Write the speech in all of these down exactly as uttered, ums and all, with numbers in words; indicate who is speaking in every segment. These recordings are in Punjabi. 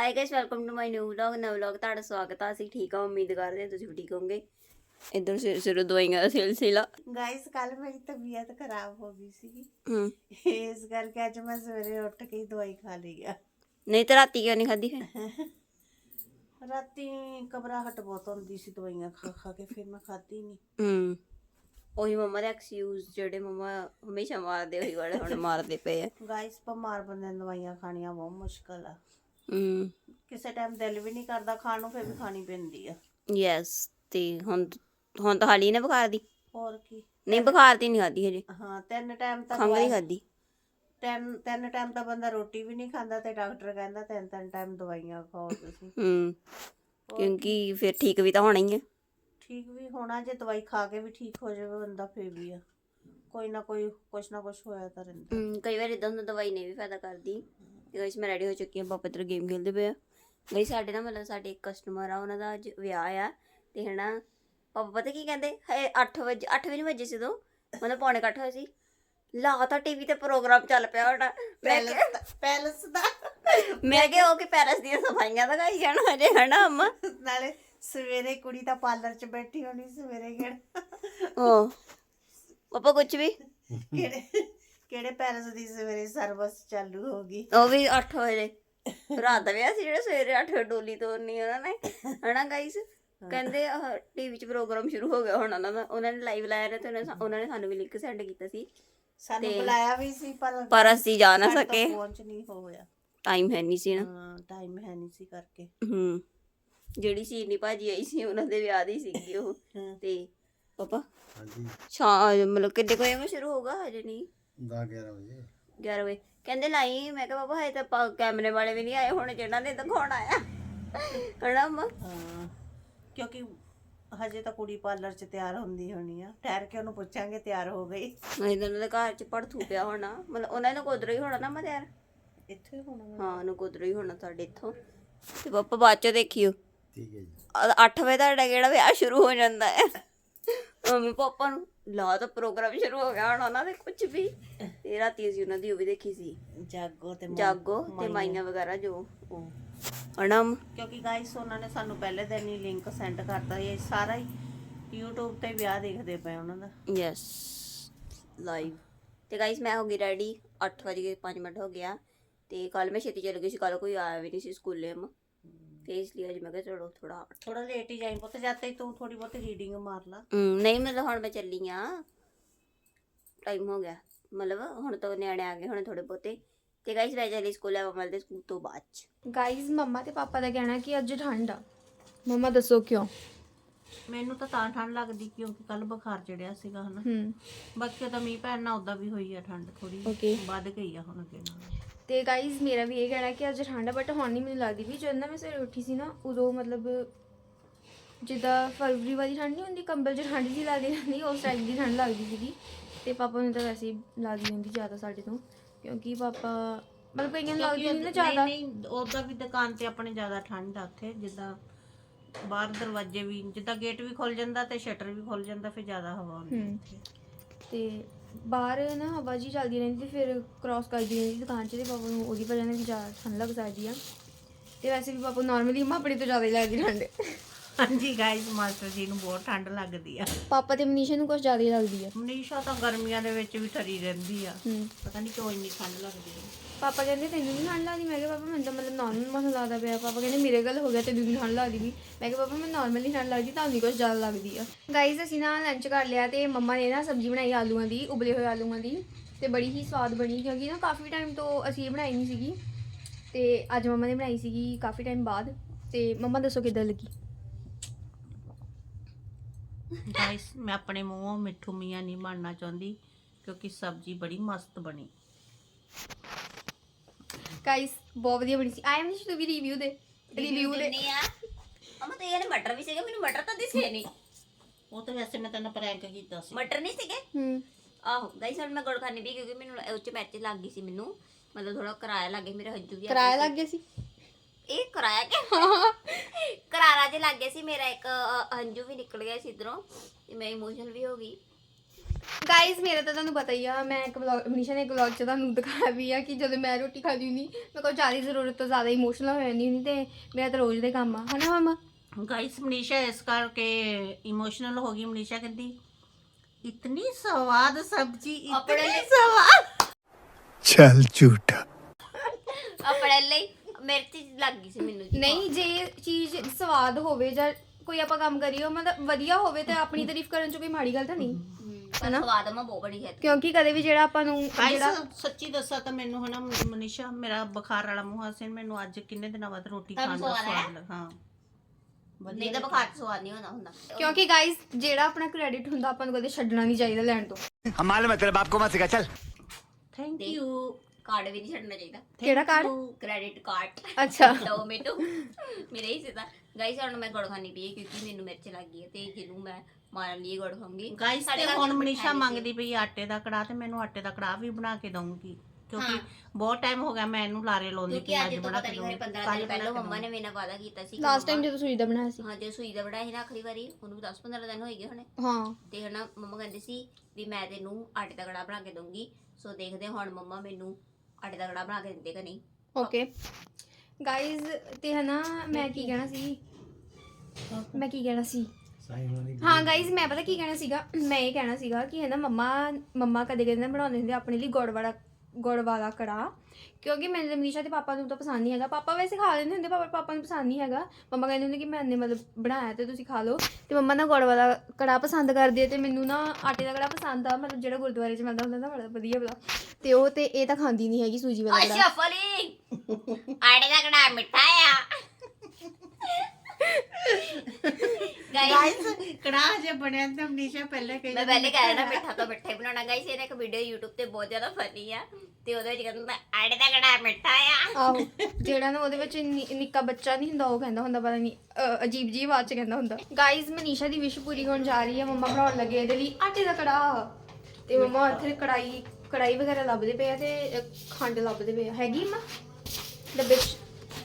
Speaker 1: High guys welcome to my new vlog ਨਵਾਂ ਵਲੌਗ ਤੁਹਾਡਾ ਸਵਾਗਤ ਆ। ਅਸੀਂ ਠੀਕ ਆ, ਉਮੀਦ ਕਰਦੇ ਹਾਂ ਤੁਸੀਂ ਵੀ ਠੀਕ ਹੋਵੋਗੇ। ਇੱਧਰ ਸਿਰ ਸਿਰ ਦਵਾਈਆਂ ਦਾ ਸਿਲਸਿਲਾ।
Speaker 2: ਗਾਇਸ ਕੱਲ ਮੇਰੀ ਤਬੀਅਤ ਖਰਾਬ ਹੋ ਗਈ ਸੀ,
Speaker 1: ਹੂੰ
Speaker 2: ਇਸ ਕਰਕੇ ਅੱਜ ਮੈਂ ਸਵੇਰੇ ਉੱਠ ਕੇ ਹੀ ਦਵਾਈ ਖਾ ਲਈ ਆ।
Speaker 1: ਨਹੀਂ ਤਾਂ ਰਾਤੀ ਕਿਉਂ ਨਹੀਂ ਖਾਧੀ ਫਿਰ?
Speaker 2: ਰਾਤੀ ਘਬਰਾਹਟ ਬਹੁਤ ਹੁੰਦੀ ਸੀ ਦਵਾਈਆਂ ਖਾ ਖਾ ਕੇ, ਫਿਰ ਮੈਂ ਖਾਧੀ ਨਹੀਂ।
Speaker 1: ਹੂੰ ਉਹੀ ਮੰਮਾ ਦੇ ਐਕਸਕਿਊਜ਼ ਜਿਹੜੇ ਮੰਮਾ ਹਮੇਸ਼ਾ ਮਾਰਦੇ ਉਹੀ ਵਾਲੇ ਹੁਣ ਮਾਰਦੇ ਪਏ ਆ।
Speaker 2: ਗਾਇਸ ਬਿਮਾਰ ਬੰਦੇ ਨੂੰ ਦਵਾਈਆਂ ਖਾਣੀਆਂ ਬਹੁਤ ਮੁਸ਼ਕਲ ਆ।
Speaker 1: ਹੂੰ
Speaker 2: ਕਿਸੇ ਟਾਈਮ ਦਿਲ ਵੀ ਨਹੀਂ ਕਰਦਾ ਖਾਣ ਨੂੰ, ਫਿਰ ਵੀ ਖਾਣੀ ਪੈਂਦੀ ਆ।
Speaker 1: ਯੈਸ। ਤੇ ਹੁਣ ਹੁਣ ਤਾਂ ਹਾਲੀ ਨਾ ਬੁਖਾਰ ਦੀ?
Speaker 2: ਹੋਰ ਕੀ।
Speaker 1: ਨਹੀਂ ਬੁਖਾਰ ਦੀ ਨਹੀਂ ਖਾਧੀ ਹਜੇ,
Speaker 2: ਹਾਂ ਤਿੰਨ ਟਾਈਮ ਤੱਕ
Speaker 1: ਖੰਘ ਦੀ ਖਾਧੀ।
Speaker 2: ਤਿੰਨ ਤਿੰਨ ਟਾਈਮ ਤਾਂ ਬੰਦਾ ਰੋਟੀ ਵੀ ਨਹੀਂ ਖਾਂਦਾ ਤੇ ਡਾਕਟਰ ਕਹਿੰਦਾ ਤਿੰਨ ਤਿੰਨ ਟਾਈਮ ਦਵਾਈਆਂ ਖਾਓ ਤੁਸੀਂ।
Speaker 1: ਹੂੰ ਕਿਉਂਕਿ ਫਿਰ ਠੀਕ ਵੀ ਤਾਂ ਹੋਣਾ ਹੀ ਹੈ।
Speaker 2: ਠੀਕ ਵੀ ਹੋਣਾ, ਜੇ ਦਵਾਈ ਖਾ ਕੇ ਵੀ ਠੀਕ ਹੋ ਜਾਵੇ ਬੰਦਾ ਫਿਰ ਵੀ ਆ ਕੋਈ ਨਾ ਕੋਈ ਕੁਛ ਨਾ ਕੁਛ ਹੋਇਆ ਤਾਂ ਰਹਿੰਦਾ।
Speaker 1: ਹੂੰ ਕਈ ਵਾਰ ਇਦਾਂ ਹੁੰਦਾ ਦਵਾਈ ਨਹੀਂ ਵੀ ਫਾਇਦਾ ਕਰਦੀ। ਤੇ ਗਾਇਸ ਮੈਂ ਰੈਡੀ ਹੋ ਚੁੱਕੀ ਹਾਂ, ਪਾਪਾ ਇੱਧਰ ਗੇਮ ਖੇਲਦੇ ਪਏ ਆ। ਗਾਇਸ ਸਾਡੇ ਨਾ ਮਤਲਬ ਸਾਡੇ ਇੱਕ ਕਸਟਮਰ ਆ, ਉਹਨਾਂ ਦਾ ਅੱਜ ਵਿਆਹ ਆ। ਤੇ ਹੈ ਨਾ ਪਾਪਾ ਪਤਾ ਕੀ ਕਹਿੰਦੇ, ਹੈ ਅੱਠ ਵਜੇ ਅੱਠ ਵੀ ਨਹੀਂ ਵਜੇ ਸੀ ਉਦੋਂ, ਮਤਲਬ ਪੌਣੇ ਕੁ ਅੱਠ ਹੋਏ ਸੀ। ਲਾ ਤਾਂ ਟੀਵੀ ਤੇ ਪ੍ਰੋਗਰਾਮ ਚੱਲ ਪਿਆ ਹੋਣਾ। ਮੈਂ ਕਿਹਾ
Speaker 2: ਪੈਲਸ ਦਾ
Speaker 1: ਮੈਂ ਕਿਹਾ ਉਹ ਕਿ ਪੈਰਸ ਦੀਆਂ ਸਫਾਈਆਂ ਦਾ ਗਾਈ ਜਾਣਾ ਹਜੇ, ਹੈ ਨਾ ਅੰਮਾ?
Speaker 2: ਨਾਲੇ ਸਵੇਰੇ ਕੁੜੀ ਤਾਂ ਪਾਰਲਰ 'ਚ ਬੈਠੀ ਹੋਣੀ, ਸਵੇਰੇ ਕਿਹੜਾ
Speaker 1: ਉਹ ਪਾਪਾ ਕੁਝ ਵੀ
Speaker 2: ਕਿਹੜੇ ਕਿਹੜੇ ਪੈਲਸ ਦੀ ਸਵੇਰੇ ਸਰਵਿਸ ਚਾਲੂ ਹੋ ਗਈ।
Speaker 1: ਉਹ ਵੀ ਅੱਠ ਵਜੇ ਰਾਤ ਦਾ ਵਿਆਹ ਸੀ ਜਿਹੜਾ ਸਵੇਰੇ ਅੱਠ ਵਜੇ ਡੋਲੀ ਤੋਰਨੀ ਉਹਨਾਂ ਨੇ, ਹਨਾ ਗਾਈਸ? ਕਹਿੰਦੇ ਟੀਵੀ 'ਚ ਪ੍ਰੋਗਰਾਮ ਸ਼ੁਰੂ ਹੋ ਗਿਆ ਹੁਣ ਉਹਨਾਂ ਦਾ, ਉਹਨਾਂ ਨੇ ਲਾਈਵ ਲਾਇਆ ਰਿਹਾ ਤੇ ਉਹਨਾਂ ਨੇ ਸਾਨੂੰ ਵੀ ਲਿੰਕ ਸੈਂਡ ਕੀਤਾ ਸੀ।
Speaker 2: ਸਾਨੂੰ ਬੁਲਾਇਆ ਵੀ ਸੀ ਪਰ
Speaker 1: ਪਰ ਅਸੀਂ ਜਾ ਨਾ
Speaker 2: ਸਾਡੇ
Speaker 1: ਸਕੇ,
Speaker 2: ਤੋਂ ਪਹੁੰਚ ਨਹੀਂ ਹੋਇਆ,
Speaker 1: ਟਾਈਮ ਹੈ ਨਹੀਂ ਸੀ ਨਾ।
Speaker 2: ਹਾਂ ਟਾਈਮ ਹੈ ਨਹੀਂ ਸੀ ਕਰਕੇ।
Speaker 1: ਹੂੰ ਜਿਹੜੀ ਸੀਨੀ ਭਾਜੀ ਆਈ ਸੀ ਉਹਨਾਂ ਦੇ ਵਿਆਹ ਦੀ ਸੀਗੀ ਉਹ। ਤੇ ਪਾਪਾ
Speaker 3: ਹਾਂਜੀ
Speaker 1: ਸ਼ਾਮ ਮਤਲਬ ਕਿੰਨੇ ਕੁ ਵਜੇ ਸ਼ੁਰੂ ਹੋਊਗਾ? ਹਜੇ ਨਹੀਂ,
Speaker 3: ਦਸ ਗਿਆਰਾਂ ਵਜੇ
Speaker 1: ਗਿਆਰਾਂ ਵਜੇ ਕਹਿੰਦੇ ਲਾਈ। ਮੈਂ ਕਿਹਾ ਬਾਬਾ ਹਜੇ ਤਾਂ ਪਾ- ਕੈਮਰੇ ਵਾਲੇ ਵੀ ਨਹੀਂ ਆਏ ਹੁਣ ਜਿਹਨਾਂ ਨੇ ਦਿਖਾਉਣਾ ਆ, ਹਨਾ ਅੰਮਾ?
Speaker 2: ਹਾਂ ਕਿਉਂਕਿ ਹਜੇ ਤਾਂ ਕੁੜੀ ਪਾਰਲਰ 'ਚ ਤਿਆਰ ਹੁੰਦੀ ਹੋਣੀ ਆ, ਠਹਿਰ ਕੇ ਉਹਨੂੰ ਪੁੱਛਾਂਗੇ ਤਿਆਰ ਹੋ ਗਈ।
Speaker 1: ਨਹੀਂ ਤਾਂ ਉਹਨਾਂ ਦੇ ਘਰ 'ਚ ਭੜਥੂ ਪਿਆ ਹੋਣਾ, ਮਤਲਬ ਉਹਨਾਂ ਨੂੰ ਕੋਦਰਾ ਹੀ ਹੋਣਾ ਨਾ ਮੈਂ ਤਿਆਰ।
Speaker 2: ਇੱਥੇ ਹੀ ਹੋਣਾ।
Speaker 1: ਹਾਂ ਉਹਨੂੰ ਕੋਦਰਾ ਹੀ ਹੋਣਾ ਸਾਡੇ ਇੱਥੋਂ। ਤੇ ਪਾਪਾ ਬਾਅਦ 'ਚ ਦੇਖਿਓ
Speaker 3: ਠੀਕ ਹੈ ਜੀ।
Speaker 1: ਅੱਠ ਵਜੇ ਤੁਹਾਡਾ ਕਿਹੜਾ ਵਿਆਹ ਸ਼ੁਰੂ ਹੋ ਜਾਂਦਾ ਹੈ। ਮੰਮੀ ਪਾਪਾ ਨੂੰ ਲਾ ਤਾਂ ਪ੍ਰੋਗਰਾਮ ਸ਼ੁਰੂ ਹੋ ਗਿਆ ਹੁਣ ਉਹਨਾਂ ਦੇ ਕੁਝ ਵੀ। ਤੇ ਰਾਤੀ ਅਸੀਂ ਉਹਨਾਂ ਦੀ ਉਹ ਵੀ ਦੇਖੀ ਸੀ,
Speaker 2: ਜਾਗੋ ਤੇ
Speaker 1: ਜਾਗੋ ਤੇ ਮਾਈਆਂ ਵਗੈਰਾ ਜੋ ਉਹ ਅਣਮ।
Speaker 2: ਕਿਉਂਕਿ ਗਾਇਸ ਉਹਨਾਂ ਨੇ ਸਾਨੂੰ ਪਹਿਲੇ ਦਿਨ ਹੀ ਲਿੰਕ ਸੈਂਡ ਕਰਤਾ, ਇਹ ਸਾਰਾ ਹੀ YouTube ਤੇ ਵਿਆਹ ਦੇਖਦੇ ਪਏ ਉਹਨਾਂ ਦਾ।
Speaker 1: Yes live. ਤੇ ਗਾਇਸ ਮੈਂ ਹੋ ਗਈ ਰੈਡੀ, ਅੱਠ ਵਜੇ ਕੇ ਪੰਜ ਮਿੰਟ ਹੋ ਗਿਆ। ਤੇ ਕੱਲ ਮੈਂ ਛੇਤੀ ਚਲ ਗਈ ਸੀ, ਕੱਲ ਕੋਈ ਆਇਆ ਵੀ ਨਹੀਂ ਸੀ ਸਕੂਲੇ ਅਮ, ਤੇ ਇਸ ਲਈ ਅੱਜ ਮੈਂ ਕਿਹਾ ਚਲੋ ਥੋੜਾ
Speaker 2: ਥੋੜਾ ਲੇਟ ਹੀ ਜਾਈ ਪੁੱਤ, ਜਦ ਤੱਕ ਤੂੰ ਥੋੜੀ ਬਹੁਤੀ ਰੀਡਿੰਗ ਮਾਰ ਲਾ।
Speaker 1: ਨਹੀਂ ਮਤਲਬ ਹੁਣ ਮੈਂ ਚੱਲੀ ਆ, ਟਾਈਮ ਹੋ ਗਿਆ, ਮਤਲਬ ਹੁਣ ਤਾਂ ਨਿਆਣੇ ਆ ਗਏ ਹੁਣ ਥੋੜੇ ਬਹੁਤੇ। ਤੇ ਗਾਇਸ ਮੈਂ ਚੱਲੀ ਸਕੂਲ ਆ, ਮਮਲ ਦੇ ਸਕੂਲ ਤੋਂ ਬਾਅਦ ਚ।
Speaker 4: ਗਾਈਜ਼ ਮੰਮਾ ਤੇ ਪਾਪਾ ਦਾ ਕਹਿਣਾ ਕਿ ਅੱਜ ਠੰਡ ਆ। ਮੰਮਾ ਦੱਸੋ ਕਿਉਂ?
Speaker 2: ਮੈਨੂੰ ਤਾਂ ਤਾਂ ਠੰਡ ਲੱਗਦੀ ਕਿਉਂਕਿ ਕੱਲ ਬੁਖਾਰ ਚੜਿਆ ਸੀਗਾ ਹਨਾ।
Speaker 4: ਹੂੰ
Speaker 2: ਬਾਕੀ ਤਾਂ ਮੀਂਹ ਪੈਣ ਨਾਲ ਉਦਾਂ ਵੀ ਹੋਈ ਆ ਠੰਡ, ਥੋੜੀ
Speaker 4: ਓਕੇ।
Speaker 2: ਵੱਧ ਗਈ ਆ ਹੁਣ ਅੱਗੇ ਨਾਲ।
Speaker 4: ਤੇ ਗਾਈਜ਼ ਮੇਰਾ ਵੀ ਇਹ ਕਹਿਣਾ ਕਿ ਅੱਜ ਠੰਡ ਆ, ਬਟ ਹੁਣ ਨਹੀਂ ਮੈਨੂੰ ਲੱਗਦੀ ਵੀ। ਜਦੋਂ ਨਾ ਮੈਂ ਸਵੇਰੇ ਉੱਠੀ ਸੀ ਨਾ ਉਦੋਂ ਮਤਲਬ ਜਿੱਦਾਂ ਫਰਵਰੀ ਵਾਲੀ ਠੰਡ ਨਹੀਂ ਹੁੰਦੀ, ਕੰਬਲ 'ਚ ਠੰਡ ਜਿਹੀ ਲੱਗਦੀ ਰਹਿੰਦੀ, ਉਸ ਟਾਈਪ ਦੀ ਠੰਡ ਲੱਗਦੀ ਸੀਗੀ। ਤੇ ਪਾਪਾ ਨੂੰ ਤਾਂ ਵੈਸੇ ਹੀ ਲੱਗਦੀ ਹੁੰਦੀ ਜ਼ਿਆਦਾ ਸਾਡੇ ਤੋਂ, ਕਿਉਂਕਿ ਪਾਪਾ ਮਤਲਬ ਕਈਆਂ ਨੂੰ ਲੱਗਦੀ ਨਹੀਂ ਨਾ ਜ਼ਿਆਦਾ।
Speaker 2: ਨਹੀਂ ਉਦਾਂ ਵੀ ਦੁਕਾਨ ਤੇ ਆਪਣੇ ਜ਼ਿਆਦਾ ਠੰਡ ਆ ਉੱਥੇ, ਜਿੱਦਾਂ ਬਾਹਰ ਦਰਵਾਜ਼ੇ ਵੀ ਜਿੱਦਾਂ ਗੇਟ ਵੀ ਖੁੱਲ ਜਾਂਦਾ ਤੇ ਸ਼ਟਰ ਵੀ ਖੁੱਲ ਜਾਂਦਾ, ਫਿਰ ਜ਼ਿਆਦਾ ਹਵਾ ਹੁੰਦੀ
Speaker 4: ਹੂੰ
Speaker 2: ਉੱਥੇ।
Speaker 4: ਤੇ ਬਾਹਰ ਨਾ ਹਵਾ ਜੀ ਚੱਲਦੀ ਰਹਿੰਦੀ, ਫਿਰ ਕ੍ਰਾਸ ਕਰਦੀ ਰਹਿੰਦੀ ਦੁਕਾਨ 'ਚ, ਤੇ ਪਾਪਾ ਨੂੰ ਉਹਦੀ ਵਜ੍ਹਾ ਨਾਲ ਵੀ ਜ਼ਿਆਦਾ ਠੰਡ ਲੱਗ ਸਕਦੀ ਆ। ਤੇ ਵੈਸੇ ਵੀ ਪਾਪਾ ਨਾਰਮਲੀ ਮੰਮਾ ਆਪਣੇ ਤੋਂ ਜ਼ਿਆਦਾ ਹੀ ਲੱਗਦੀ ਠੰਡ।
Speaker 2: ਹਾਂਜੀ ਗਾਇਸ ਮਾਸਟਰ ਜੀ ਨੂੰ ਬਹੁਤ ਠੰਡ ਲੱਗਦੀ ਆ।
Speaker 4: ਪਾਪਾ ਤੇ ਮਨੀਸ਼ਾ ਨੂੰ ਕੁਛ ਜ਼ਿਆਦਾ ਹੀ ਲੱਗਦੀ ਆ।
Speaker 2: ਮਨੀਸ਼ਾ ਤਾਂ ਗਰਮੀਆਂ ਦੇ ਵਿੱਚ ਵੀ ਠਰੀ ਰਹਿੰਦੀ ਆ,
Speaker 4: ਹੂੰ
Speaker 2: ਪਤਾ ਨਹੀਂ ਕਿਉਂ ਇੰਨੀ ਠੰਡ ਲੱਗਦੀ ਆ।
Speaker 4: ਪਾਪਾ ਕਹਿੰਦੇ ਤੈਨੂੰ ਨਹੀਂ ਠੰਡ ਲੱਗਦੀ? ਮੈਂ ਕਿਹਾ ਪਾਪਾ ਮੈਨੂੰ ਤਾਂ ਮਤਲਬ ਨਾਰਮਲ ਮੌਸਮ ਲੱਗਦਾ ਪਿਆ। ਪਾਪਾ ਕਹਿੰਦੇ ਮੇਰੇ ਗੱਲ ਹੋ ਗਿਆ ਤੇ ਦੂਜੀ ਠੰਡ ਲੱਗਦੀ ਵੀ। ਮੈਂ ਕਿਹਾ ਪਾਪਾ ਮੈਨੂੰ ਨਾਰਮਲੀ ਠੰਡ ਲੱਗਦੀ, ਤੁਹਾਨੂੰ ਕੁਛ ਜ਼ਿਆਦਾ ਲੱਗਦੀ ਆ। ਗਾਈਜ਼ ਅਸੀਂ ਨਾ ਲੰਚ ਕਰ ਲਿਆ ਤੇ ਮੰਮਾ ਨੇ ਨਾ ਸਬਜ਼ੀ ਬਣਾਈ ਆਲੂਆਂ ਦੀ, ਉਬਲੇ ਹੋਏ ਆਲੂਆਂ ਦੀ, ਤੇ ਬੜੀ ਹੀ ਸਵਾਦ ਬਣੀ। ਕਿਉਂਕਿ ਨਾ ਕਾਫੀ ਟਾਈਮ ਤੋਂ ਅਸੀਂ ਇਹ ਬਣਾਈ ਨਹੀਂ ਸੀਗੀ, ਤੇ ਅੱਜ ਮੰਮਾ ਨੇ ਬਣਾਈ ਸੀਗੀ ਕਾਫੀ ਟਾਈਮ ਬਾਅਦ। ਤੇ ਮੰਮਾ ਦੱਸੋ ਕਿੱਦਾਂ ਲੱਗੀ?
Speaker 2: ਗਾਇਸ ਮੈਂ ਆਪਣੇ ਮੂੰਹੋਂ ਮਿੱਠੂ ਮੀਆਂ ਨਹੀਂ ਬਣਨਾ ਚਾਹੁੰਦੀ ਕਿਉਂਕਿ ਸਬਜ਼ੀ ਬੜੀ ਮਸਤ ਬਣੀ।
Speaker 4: ਗਾਈਜ਼ ਬਹੁਤ ਵਧੀਆ ਬਣੀ ਸੀ। ਆਈ ਐਮ ਨਿਸ਼ ਤੂੰ ਵੀ ਰਿਵਿਊ ਦੇ ਰਿਵਿਊ ਦੇ
Speaker 1: ਨਹੀਂ ਆ ਅਮਾ ਤੇ ਇਹਨੇ ਮਟਰ ਵੀ ਸੀਗੇ, ਮੈਨੂੰ ਮਟਰ ਤਾਂ ਦਿਸੇ ਨਹੀਂ।
Speaker 2: ਉਹ ਤਾਂ ਵੈਸੇ ਮੈਂ ਤੈਨੂੰ ਪ੍ਰੈਂਕ ਕੀਤਾ ਸੀ।
Speaker 1: ਮਟਰ ਨਹੀਂ ਸੀਗੇ?
Speaker 4: ਹੂੰ
Speaker 1: ਆਹੋ ਗਾਇਸ ਹੁਣ ਮੈਂ ਗੁੜ ਖਾਣੀ ਵੀ ਕਿਉਂਕਿ ਮੈਨੂੰ ਉਹ ਚ ਮਿਰਚ ਲੱਗ ਗਈ ਸੀ, ਮੈਨੂੰ ਮਤਲਬ ਥੋੜਾ ਕਿਰਾਇਆ ਲੱਗ ਗਿਆ, ਮੇਰੇ ਹੱਜੂ ਵੀ
Speaker 4: ਕਿਰਾਇਆ ਲੱਗ ਗਿਆ ਸੀ।
Speaker 1: ਇਹ ਕਰਾਇਆ ਕਿ ਕਰਾਰਾ ਜੇ ਲੱਗ ਗਿਆ ਸੀ ਮੇਰਾ, ਇੱਕ ਅ, ਹੰਝੂ ਵੀ ਨਿਕਲ ਗਿਆ ਸੀ ਇਧਰੋਂ, ਤੇ ਮੈਂ ਇਮੋਸ਼ਨਲ ਵੀ ਹੋ ਗਈ।
Speaker 4: ਗਾਇਜ਼ ਮੇਰਾ ਤਾਂ ਤੁਹਾਨੂੰ ਪਤਾ ਹੀ ਆ, ਮੈਂ ਇੱਕ ਵਲੌਗ ਮਨੀਸ਼ਾ ਨੇ ਇੱਕ ਵਲੌਗ 'ਚ ਤੁਹਾਨੂੰ ਦਿਖਾਇਆ ਵੀ ਆ ਕਿ ਜਦੋਂ ਮੈਂ ਰੋਟੀ ਖਾਦੀ ਹੁੰਦੀ ਮੈਂ ਕੋਈ ਜ਼ਿਆਦਾ ਜ਼ਰੂਰਤ ਤੋਂ ਜ਼ਿਆਦਾ ਇਮੋਸ਼ਨਲ ਹੋ ਜਾਂਦੀ ਹੁੰਦੀ ਤੇ ਮੇਰਾ ਤਾਂ ਰੋਜ਼ ਦੇ ਕੰਮ ਆ ਹਨਾ ਮਮਾ।
Speaker 2: ਗਾਇਸ ਮਨੀਸ਼ਾ ਇਸ ਕਰਕੇ ਇਮੋਸ਼ਨਲ ਹੋ ਗਈ। ਮਨੀਸ਼ਾ ਕਹਿੰਦੀ ਇਤਨੀ ਸਵਾਦ ਸਬਜੀ, ਇਤਨੀ ਸਵਾਦ।
Speaker 3: ਚੱਲ ਝੂਠਾ।
Speaker 1: ਆਪਣੇ ਲਈ ਮਿਰਚ ਲੱਗ ਗਈ ਸੀ ਮੈਨੂੰ ਜੀ।
Speaker 4: ਨਹੀਂ ਜੇ ਚੀਜ਼ ਸਵਾਦ ਹੋਵੇ ਜਾਂ ਕੋਈ ਆਪਾਂ ਕੰਮ ਕਰੀਏ ਮਤਲਬ ਵਧੀਆ ਹੋਵੇ ਤੇ ਆਪਣੀ ਤਾਰੀਫ ਕਰਨ 'ਚ ਕੋਈ ਮਾੜੀ ਗੱਲ ਤਾਂ ਨਹੀਂ,
Speaker 1: ਪਰ ਸਵਾਦ ਮੈਂ ਬਹੁਤ ਬੜੀ ਖਾਧੀ।
Speaker 4: ਕਿਉਂਕਿ ਕਦੇ ਵੀ ਜਿਹੜਾ ਆਪਾਂ ਨੂੰ ਜਿਹੜਾ
Speaker 2: ਗਾਇਸ ਸੱਚੀ ਦੱਸਾਂ ਤਾਂ ਮੈਨੂੰ ਹਨਾ ਮਨੀਸ਼ਾ ਮੇਰਾ ਬੁਖਾਰ ਵਾਲਾ ਮੂੰਹ ਸੀ, ਮੈਨੂੰ ਅੱਜ ਕਿੰਨੇ ਦਿਨਾਂ ਬਾਅਦ ਰੋਟੀ ਖਾਣ ਦਾ
Speaker 1: ਸਵਾਦ ਆਇਆ?
Speaker 2: ਸਵਾਦ ਲੱਗਾ। ਹਾਂ
Speaker 1: ਨਹੀਂ ਤਾਂ ਬੁਖਾਰ ਤੋਂ ਸਵਾਦ ਨਹੀਂ ਹੁੰਦਾ ਹੁੰਦਾ।
Speaker 4: ਕਿਉਂਕਿ ਗਾਇਜ਼ ਜਿਹੜਾ ਆਪਣਾ ਕ੍ਰੈਡਿਟ ਹੁੰਦਾ ਆਪਾਂ ਨੂੰ ਕਦੇ ਛੱਡਣਾ ਨਹੀਂ ਚਾਹੀਦਾ ਲੈਣ ਤੋਂ।
Speaker 3: हम मालूम है तेरे बाप को मत सिखा चल।
Speaker 2: Thank you.
Speaker 1: ਕਾਰਡ ਵੀ ਨਹੀਂ ਛੱਡਣਾ ਚਾਹੀਦਾ।
Speaker 4: ਕਿਹੜਾ ਕਾਰਡ?
Speaker 1: Credit card.
Speaker 4: ਅੱਛਾ
Speaker 1: ਦੋ ਮੈਨੂੰ ਮੇਰੇ ਹੀ ਸਿੱਧਾ ਗਾਈਸ ਹੁਣ ਮੈਂ ਗੁੜ ਖਾਣੀ ਪਈ ਹੈ ਕਿਉਂਕਿ ਮੈਨੂੰ ਮਿਰਚ ਲੱਗ ਗਈ ਹੈ ਤੇ ਜਿਹਨੂੰ ਮੈਂ ਮਾਰਨ ਲਈ ਗੁੜ ਖਾਂਗੀ।
Speaker 2: ਗਾਇਸ ਤੇ ਹੁਣ ਮਨੀਸ਼ਾ ਮੰਗਦੀ ਪਈ ਆਟੇ ਦਾ ਕੜਾਹ ਤੇ ਮੈਨੂੰ ਆਟੇ ਦਾ ਕੜਾਹ ਵੀ ਬਣਾ ਕੇ ਦਊਂਗੀ ਕਿਉਂਕਿ ਬਹੁਤ ਟਾਈਮ ਹੋ ਗਿਆ ਮੈਂ ਇਹਨੂੰ ਲਾਰੇ ਲਾਉਂਦੀ
Speaker 1: ਕਿਉਂਕਿ ਅੱਜ ਤੋਂ ਪਤਾ ਨਹੀਂ ਖਰੇ ਪੰਦਰਾਂ ਦਿਨ ਪਹਿਲਾਂ ਮੰਮਾ ਨੇ ਮੇਰੇ ਨਾਲ ਵਾਅਦਾ ਕੀਤਾ ਸੀ।
Speaker 4: ਲਾਸਟ ਟਾਈਮ ਜਦੋਂ ਸੂਈ ਦਾ ਬਣਾਇਆ ਸੀ।
Speaker 1: ਹਾਂ ਜੇ ਸੂਈ ਦਾ ਬਣਾਇਆ ਸੀ ਨਾ ਆਖਰੀ ਵਾਰੀ ਉਹਨੂੰ ਦਸ ਪੰਦਰਾਂ ਦਿਨ ਹੋਏ ਗਏ ਹੁਣੇ।
Speaker 4: ਹਾਂ
Speaker 1: ਤੇ ਹਨਾ ਮੰਮਾ ਕਹਿੰਦੇ ਸੀ ਵੀ ਮੈਂ ਤੈਨੂੰ ਆਟੇ ਦਾ ਕੜਾਹ ਬਣਾ ਕੇ ਦਊਂਗੀ। ਸੋ ਦੇਖਦੇ ਹੁਣ ਮੰਮਾ ਮੈਨੂੰ ਆਟੇ ਦਾ ਕੜਾਹ ਬਣਾ ਕੇ ਦਿੰਦੇ ਕਿ ਨਹੀਂ।
Speaker 4: ਓਕੇ ਗਾਇਜ਼ ਤੇ ਹਨਾ ਮੈਂ ਕੀ ਕਹਿਣਾ ਸੀ ਮੈਂ ਕੀ ਕਹਿਣਾ ਸੀ ਹਾਂ ਗਾਇਜ਼ ਮੈਂ ਪਤਾ ਕੀ ਕਹਿਣਾ ਸੀਗਾ ਮੈਂ ਇਹ ਕਹਿਣਾ ਸੀਗਾ ਕਿ ਹਨਾ ਮੰਮਾ ਮੰਮਾ ਕਦੇ ਕਦੇ ਨਾ ਬਣਾਉਂਦੇ ਹੁੰਦੇ ਆਪਣੇ ਲਈ ਗੁੜ ਵਾਲਾ ਗੁੜ ਵਾਲਾ ਕੜਾਹ ਕਿਉਂਕਿ ਮੇਰੇ ਮਨੀਸ਼ਾ ਤੇ ਪਾਪਾ ਨੂੰ ਤਾਂ ਪਸੰਦ ਨਹੀਂ ਹੈਗਾ। ਪਾਪਾ ਵੈਸੇ ਖਾ ਲੈਂਦੇ ਹੁੰਦੇ ਪਰ ਪਾਪਾ ਨੂੰ ਪਸੰਦ ਨਹੀਂ ਹੈਗਾ। ਮੰਮਾ ਕਹਿੰਦੇ ਹੁੰਦੇ ਕਿ ਮੈਂ ਨੇ ਮਤਲਬ ਬਣਾਇਆ ਤੇ ਤੁਸੀਂ ਖਾ ਲਓ ਤੇ ਮੰਮਾ ਨਾ ਗੁੜ ਵਾਲਾ ਕੜਾਹ ਪਸੰਦ ਕਰਦੇ ਤੇ ਮੈਨੂੰ ਨਾ ਆਟੇ ਦਾ ਕੜਾਹ ਪਸੰਦ ਆ ਮਤਲਬ ਜਿਹੜਾ ਗੁਰਦੁਆਰੇ 'ਚ ਮਿਲਦਾ ਹੁੰਦਾ ਨਾ ਬੜਾ ਵਧੀਆ ਵਾਲਾ ਤੇ ਉਹ ਤੇ ਇਹ ਤਾਂ ਖਾਂਦੀ ਨਹੀਂ ਹੈਗੀ ਸੂਜੀ ਵਾਲਾ ਕੜਾਹ।
Speaker 1: ਅੱਛਾ ਫਲੀ ਆਟੇ ਦਾ ਕੜਾਹ ਮਿੱਠਾ ਆ।
Speaker 2: ਗਾਇਸ ਕੜਾਹ ਜੇ ਬਣਿਆ ਤਾਂ ਮਨੀਸ਼ਾ ਪਹਿਲੇ ਕਹੀ
Speaker 1: ਮੈਂ ਪਹਿਲੇ ਕਹਿ ਰਿਹਾ ਮਿੱਠਾ ਤਾਂ ਮਿੱਠਾ ਹੀ ਬਣਾਉਣਾ। ਗਾਈਸ ਇਹਨੇ ਇੱਕ ਵੀਡੀਓ YouTube ਤੇ ਬਹੁਤ ਜ਼ਿਆਦਾ ਫਨੀ ਆ ਤੇ ਉਹਦੇ ਵਿੱਚ ਕਹਿੰਦਾ ਆਟੇ ਦਾ ਕੜਾਹ ਮਿੱਠਾ ਆ।
Speaker 4: ਆਹੋ ਜਿਹੜਾ ਨਾ ਉਹਦੇ ਵਿੱਚ ਨਿ- ਨਿੱਕਾ ਬੱਚਾ ਨਹੀਂ ਹੁੰਦਾ ਉਹ ਕਹਿੰਦਾ ਹੁੰਦਾ ਪਤਾ ਨਹੀਂ ਅ, ਅਜੀਬ ਜੀ ਆਵਾਜ਼ 'ਚ ਕਹਿੰਦਾ ਹੁੰਦਾ। ਗਾਇਜ਼ ਮਨੀਸ਼ਾ ਦੀ ਵਿਸ਼ ਪੂਰੀ ਹੋਣ ਜਾ ਰਹੀ ਹੈ। ਮੰਮਾ ਬਣਾਉਣ ਲੱਗੇ ਇਹਦੇ ਲਈ ਆਟੇ ਦਾ ਕੜਾਹ ਤੇ ਮੰਮਾ ਇੱਥੇ ਕੜਾਈ ਕੜਾਈ ਵਗੈਰਾ ਲੱਭਦੇ ਪਏ ਆ ਤੇ ਅ, ਖੰਡ ਲੱਭਦੇ ਪਏ ਆ ਹੈਗੀ ਮਾਂ ਡੱਬੇ 'ਚ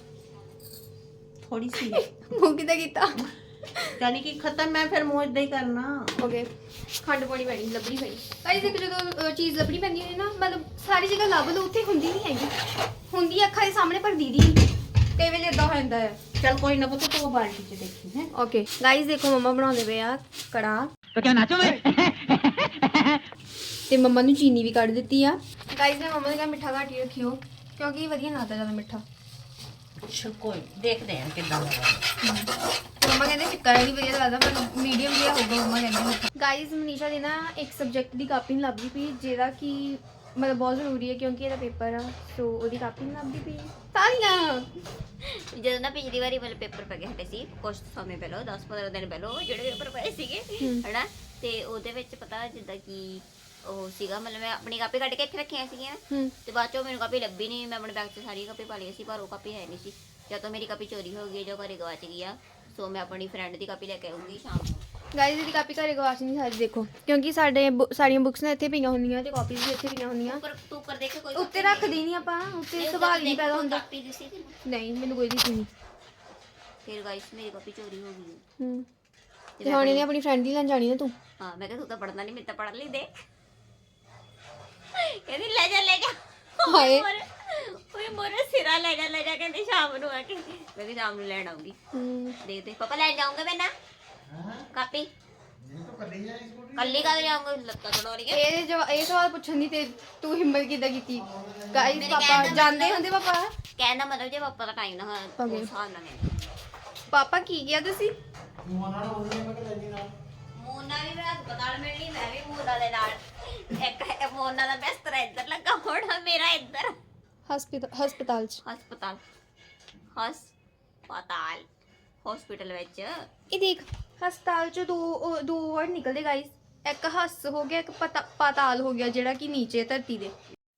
Speaker 2: ਥੋੜੀ ਸੀ
Speaker 4: ਮੂੰਹ ਕਿੱਦਾਂ ਕੀਤਾ
Speaker 2: ਯਾਨੀ ਕਿ ਖਤਮ ਮੈਂ ਫਿਰ ਮੂੰਹ ਇਦਾਂ ਹੀ ਕਰਨਾ।
Speaker 4: ਓਕੇ ਖੰਡ ਪਾਉਣੀ ਪੈਣੀ ਲੱਭਣੀ ਪੈਣੀ ਗਾਇਜ਼ ਇੱਕ ਜਦੋਂ ਅ, ਚੀਜ਼ ਲੱਭਣੀ ਪੈਂਦੀ ਹੈ ਨਾ ਮਤਲਬ ਸਾਰੀ ਜਗ੍ਹਾ ਲੱਭ ਲਓ ਉੱਥੇ ਹੁੰਦੀ ਨਹੀਂ ਹੈਗੀ ਹੁੰਦੀ ਅੱਖਾਂ ਦੇ ਸਾਹਮਣੇ ਪਰ ਦੀਦੀ ਨਹੀਂ ਕਈ ਵੇਲੇ ਇਦਾਂ ਹੋ ਜਾਂਦਾ ਹੈ।
Speaker 2: ਚਲ ਕੋਈ ਨਾ ਪੁੱਤ ਤੂੰ ਬਾਲਟੀ 'ਚ ਦੇਖੀ ਹੈ।
Speaker 4: ਓਕੇ ਗਾਇਜ਼ ਦੇਖੋ ਮੰਮਾ ਬਣਾਉਂਦੇ ਪਏ ਆ ਕੜਾਹ
Speaker 3: तो क्या नाचो मैं?
Speaker 4: ਤੇ ਮੰਮਾ ਨੂੰ ਚੀਨੀ ਵੀ ਕੱਢ ਦਿੱਤੀ ਆ। ਗਾਇਜ਼ ਨੇ ਮੰਮਾ ਨੇ ਕਿਹਾ ਮਿੱਠਾ ਘੱਟ ਹੀ ਰੱਖਿਓ ਕਿਉਂਕਿ ਵਧੀਆ ਲੱਗਦਾ ਜ਼ਿਆਦਾ ਮਿੱਠਾ।
Speaker 2: ਅੱਛਾ ਕੋਈ ਦੇਖਦੇ ਆ ਕਿੱਦਾਂ ਲੱਗਦਾ।
Speaker 4: ਮੰਮਾ ਕਹਿੰਦੇ ਫਿੱਕਾ ਨਹੀਂ ਵਧੀਆ ਲੱਗਦਾ ਪਰ ਮੀਡੀਅਮ ਜਿਹਾ ਹੋਊਗਾ ਮੰਮਾ ਕਹਿੰਦੇ। ਗਾਇਜ਼ ਮਨੀਸ਼ਾ ਦੀ ਨਾ ਇੱਕ ਸਬਜੈਕਟ ਦੀ ਕਾਪੀ ਨਹੀਂ ਲੱਭਦੀ ਪਈ ਜਿਹੜਾ ਕਿ ਮਤਲਬ ਬਹੁਤ ਜ਼ਰੂਰੀ ਹੈ ਕਿਉਂਕਿ ਇਹਦਾ ਪੇਪਰ ਆ ਸੋ ਉਹਦੀ ਕਾਪੀ ਨਹੀਂ ਲੱਭਦੀ ਪਈ ਸਾਰੀਆਂ।
Speaker 1: ਜਦੋਂ ਨਾ ਪਿਛਲੀ ਵਾਰੀ ਵਾਲੇ ਪੇਪਰ ਪੈ ਗਏ ਹਟੇ ਸੀ ਕੁਝ ਸਮੇਂ ਪਹਿਲਾਂ ਦਸ ਪੰਦਰਾਂ ਦਿਨ ਪਹਿਲਾਂ ਉਹ ਜਿਹੜੇ ਪੇਪਰ ਪਏ ਸੀਗੇ ਹਨਾ ਤੇ ਉਹਦੇ ਵਿੱਚ ਪਤਾ ਜਿੱਦਾਂ ਕਿ ਉਹ ਸੀਗਾ ਮਤਲਬ ਮੈਂ ਆਪਣੀ ਕਾਪੀ ਕੱਢ ਕੇ ਇੱਥੇ ਰੱਖੀਆਂ ਸੀਗੀਆਂ ਤੇ ਬਾਅਦ ਚੋਂ ਮੈਨੂੰ ਕਾਪੀ ਲੱਭੀ ਨਹੀਂ। ਮੈਂ ਆਪਣੇ ਬੈਗ 'ਚ ਸਾਰੀ ਕਾਪੀ ਪਾ ਲਈ ਸੀ ਪਰ ਉਹ ਕਾਪੀ ਹੈ ਨਹੀਂ ਸੀ। ਜਾਂ ਤਾਂ ਮੇਰੀ ਕਾਪੀ ਚੋਰੀ ਹੋ ਗਈ ਜਾਂ ਘਰੇ ਗਵਾਚ ਗਈ ਆ। ਸੋ ਮੈਂ ਆਪਣੀ ਫਰੈਂਡ ਦੀ ਕਾਪੀ ਲੈ ਕੇ ਆਉਂਗੀ ਸ਼ਾਮ ਨੂੰ।
Speaker 4: ਗਾਇਜ਼ ਦੀ ਕਾਪੀ ਘਰੇ ਗਵਾਚ ਨਹੀਂ ਸਾਰੀ ਦੇਖੋ ਕਿਉਂਕਿ ਸਾਡੇ ਬੁ- ਸਾਰੀਆਂ ਬੁੱਕਸ ਨੇ ਇੱਥੇ ਪਈਆਂ ਹੁੰਦੀਆਂ ਤੇ ਕਾਪੀਜ਼ ਵੀ ਇੱਥੇ ਪਈਆਂ ਹੁੰਦੀਆਂ।
Speaker 1: ਉੱਪਰ ਤੂੰ ਉੱਪਰ ਦੇਖ ਕੋਈ
Speaker 4: ਉੱਤੇ ਰੱਖਦੀ ਨਹੀਂ ਆਪਾਂ ਉੱਤੇ ਸਵਾਲ ਨਹੀਂ ਪੈਦਾ ਹੁੰਦਾ।
Speaker 1: ਕਾਪੀ ਦਿਸੀ ਤੈਨੂੰ?
Speaker 4: ਨਹੀਂ ਮੈਨੂੰ ਕੋਈ ਦਿਸੀ ਨਹੀਂ।
Speaker 1: ਫਿਰ ਗਾਇਸ ਮੇਰੀ ਕਾਪੀ ਚੋਰੀ ਹੋ ਗਈ।
Speaker 4: ਹੂੰ ਤੇ ਹੁਣ ਇਹਨੇ ਆਪਣੀ ਫਰੈਂਡ ਦੀ ਲੈਣ ਜਾਣੀ ਨਾ ਤੂੰ।
Speaker 1: ਹਾਂ ਮੈਂ ਕਿਹਾ ਤੂੰ ਤਾਂ ਪੜਨਾ ਨਹੀਂ ਮੈਂ ਤਾਂ ਪੜ ਲਈ ਦੇ। ਕਹਿੰਦੀ ਲੈ ਜਾ ਲੈ ਜਾ
Speaker 4: ਹਾਏ
Speaker 1: ਓਏ ਮੋਰੇ ਸਿਰਾ ਲੈ ਜਾ ਲੈ ਜਾ ਕਹਿੰਦੀ ਸ਼ਾਮ ਨੂੰ ਆ ਕੇ ਮੈਂ ਵੀ ਸ਼ਾਮ ਨੂੰ ਲੈਣ ਆਉਂਗੀ।
Speaker 4: ਹੂੰ
Speaker 1: ਦੇ ਦੇ ਪਾਪਾ ਲੈਣ ਜਾਉਂਗੇ ਮੈਂ ਨਾ ਕਾਪੀ ਕੱਲੀ ਕਦ ਜਾਉਂਗੇ ਲੱਤਾਂ ਤੋੜੋਣੀਆਂ।
Speaker 4: ਇਹ ਜਵਾ ਇਹ ਸਵਾਲ ਪੁੱਛਣ ਦੀ ਤੇ ਤੂੰ ਹਿੰਮਤ ਕਿੱਦਾਂ ਕੀਤੀ? ਗਾਇਜ਼ ਪਾਪਾ ਜਾਂਦੇ ਹੁੰਦੇ ਪਾਪਾ
Speaker 1: ਕਹਿੰਦਾ ਮਤਲਬ ਜੇ ਪਾਪਾ ਦਾ ਟਾਈਮ ਨਾ ਹੋਇਆ
Speaker 4: Okay.
Speaker 1: ਉਸ ਹਿਸਾਬ ਨਾਲ ਕਹਿੰਦਾ
Speaker 4: ਪਾਪਾ ਕੀ ਗਿਆ ਤੁਸੀਂ?
Speaker 1: ਮੋਨਾ ਵੀ ਮੇਰਾ ਹਸਪਤਾਲ ਮਿਲਣੀ ਮੈਂ ਵੀ ਮੋਨਾ ਦੇ ਨਾਲ ਇੱਕ ਮੋਨਾ ਦਾ ਬਿਸਤਰਾ ਇੱਧਰ ਲੱਗਾ ਹੋਣਾ ਮੇਰਾ ਇੱਧਰ
Speaker 4: ਹਸਪਤਾਲ ਹਸਪਤਾਲ ਚ
Speaker 1: ਹਸਪਤਾਲ ਹਸਪਤਾਲ ਹਸਪੀਟਲ ਵਿੱਚ।
Speaker 4: ਇਹ ਦੇਖ ਹਸਪਤਾਲ ਚ ਦੋ ਉਹ ਦੋ ਵਰਡ ਨਿਕਲਦੇ ਗਾਇਜ਼ ਇੱਕ ਹੱਸ ਹੋ ਗਿਆ ਇੱਕ ਪਤਾ ਪਾਤਾਲ ਹੋ ਗਿਆ ਜਿਹੜਾ ਕਿ ਨੀਚੇ ਧਰਤੀ ਦੇ।